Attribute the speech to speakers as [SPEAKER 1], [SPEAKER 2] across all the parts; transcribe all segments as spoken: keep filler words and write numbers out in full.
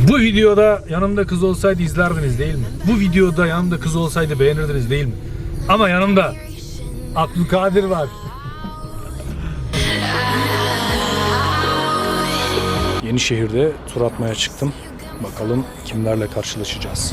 [SPEAKER 1] Bu videoda yanımda kız olsaydı izlerdiniz değil mi? Bu videoda yanımda kız olsaydı beğenirdiniz değil mi? Ama yanımda Abdülkadir var. Yenişehir'de tur atmaya çıktım. Bakalım kimlerle karşılaşacağız.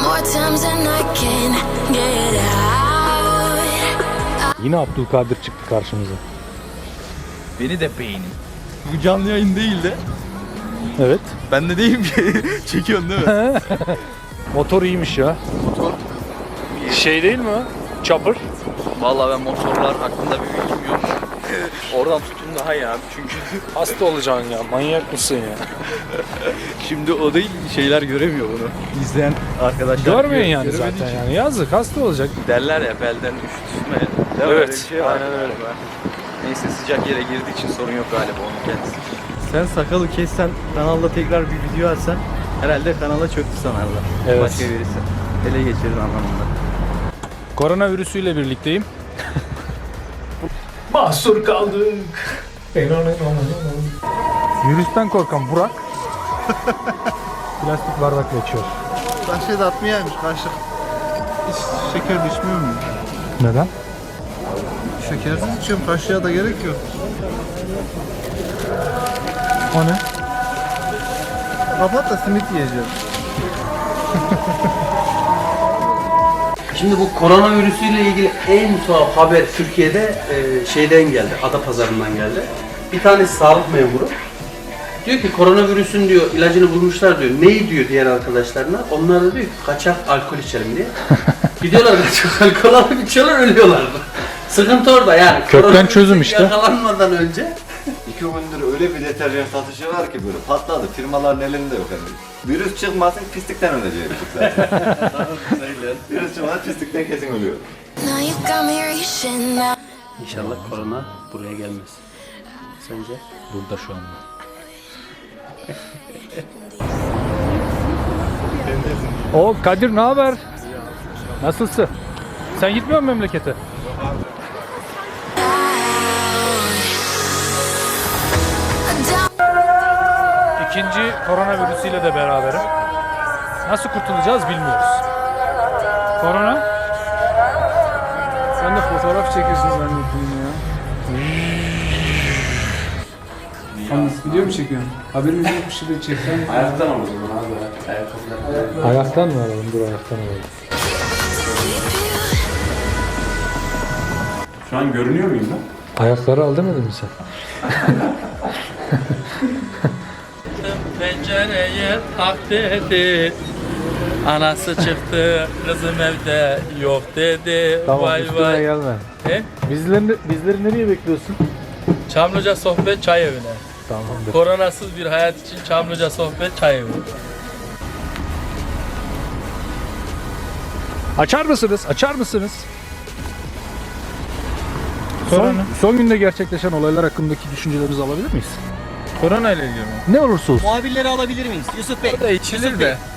[SPEAKER 1] Yine Abdülkadir çıktı karşımıza.
[SPEAKER 2] Beni de beğenin. Bu canlı yayın değil de.
[SPEAKER 1] Evet.
[SPEAKER 2] Ben de değilim ki. Çekiyorsun değil mi?
[SPEAKER 1] Motor iyiymiş ya.
[SPEAKER 2] Motor.
[SPEAKER 1] Şey değil mi o? Chopper.
[SPEAKER 2] Vallahi ben motorlar hakkında bir bilgim yok. Oradan tutun daha iyi abi çünkü.
[SPEAKER 1] Hasta olacaksın ya. Manyak mısın ya?
[SPEAKER 2] Şimdi o değil, şeyler göremiyor bunu. İzleyen arkadaşlar
[SPEAKER 1] Görmüyorsun yani
[SPEAKER 2] göremediği
[SPEAKER 1] zaten
[SPEAKER 2] için.
[SPEAKER 1] yani. Yazık, hasta olacak.
[SPEAKER 2] Derler ya belden üşütme. Değil mi?
[SPEAKER 1] Evet,
[SPEAKER 2] Öyle bir şey var
[SPEAKER 1] aynen öyle.
[SPEAKER 2] galiba. Neyse sıcak yere girdiği için sorun yok galiba onun kendisi. Sen sakalı kessen, kanalda tekrar bir video atsan herhalde kanala çöktü sanarlar.
[SPEAKER 1] Evet.
[SPEAKER 2] Başka birisi. Ele geçirir anlamında.
[SPEAKER 1] Koronavirüsüyle birlikteyim. Mahsur kaldık. Virüsten korkan Burak plastik bardakla içiyor.
[SPEAKER 3] Kaşığı da atmayaymış kaşık. Hiç şeker düşmüyor mu?
[SPEAKER 1] Neden?
[SPEAKER 3] Şekersiz içiyorum, kaşığa da gerek yok.
[SPEAKER 1] O ne?
[SPEAKER 3] Kapat da simit yiyeceğim.
[SPEAKER 4] Şimdi bu koronavirüsüyle ilgili en tuhaf haber Türkiye'de e, şeyden geldi, Adapazarı'ndan geldi. Bir tane sağlık memuru diyor ki koronavirüsün diyor ilacını bulmuşlar diyor. Neyi diyor diğer arkadaşlarına? Onlar da diyor ki kaçak alkol içelim diye. Gidiyorlar kaçak alkol alıp içiyorlar, ölüyorlar. Sıkıntı orada yani.
[SPEAKER 1] Kökten
[SPEAKER 4] Koronavirüs
[SPEAKER 1] çözüm işte.
[SPEAKER 4] Yakalanmadan önce.
[SPEAKER 5] İki gündür öyle bir deterjan satışı var ki böyle patladı. Firmaların elinde yok hani. Virüs çıkmasın pislikten öleceğiz zaten. Virüs çıkmasın pislikten kesin ölüyor.
[SPEAKER 4] İnşallah korona buraya gelmez. Sence?
[SPEAKER 1] Burada şu anda. O Kadir ne haber? Nasılsın? Sen gitmiyor musun memlekete? İkinci koronavirüsüyle de beraberim. Nasıl kurtulacağız bilmiyoruz. Korona?
[SPEAKER 3] Sen de fotoğraf çekiyorsun zannettim ya. Yalnız video mu çekiyorsun? Haberimiz yok bir şey de çeksen.
[SPEAKER 4] Ayaktan o zaman abi. Ayakkabılar.
[SPEAKER 1] Ayaktan mı alalım? Dur ayaktan alalım.
[SPEAKER 6] Şu an görünüyor muyum ben?
[SPEAKER 1] Ayakları al demedin mi sen?
[SPEAKER 7] Pencereye tak dedi. Anası çıktı, kızım evde yok dedi.
[SPEAKER 1] Tamam
[SPEAKER 7] vay
[SPEAKER 1] üstüne
[SPEAKER 7] vay.
[SPEAKER 1] gelme.
[SPEAKER 7] He?
[SPEAKER 1] Bizleri, bizleri nereye bekliyorsun?
[SPEAKER 7] Çamlıca Sohbet Çay Evi'ne.
[SPEAKER 1] Tamamdır.
[SPEAKER 7] Koronasız bir hayat için Çamlıca Sohbet Çay Evi.
[SPEAKER 1] Açar mısınız? Açar mısınız? Son,
[SPEAKER 7] Korona.
[SPEAKER 1] son günde gerçekleşen olaylar hakkındaki düşüncelerinizi alabilir miyiz?
[SPEAKER 7] Korona ile ilgili mi?
[SPEAKER 1] Ne olursa olsun.
[SPEAKER 8] Muhabirleri alabilir miyiz? Yusuf Bey.
[SPEAKER 7] O da içilir de.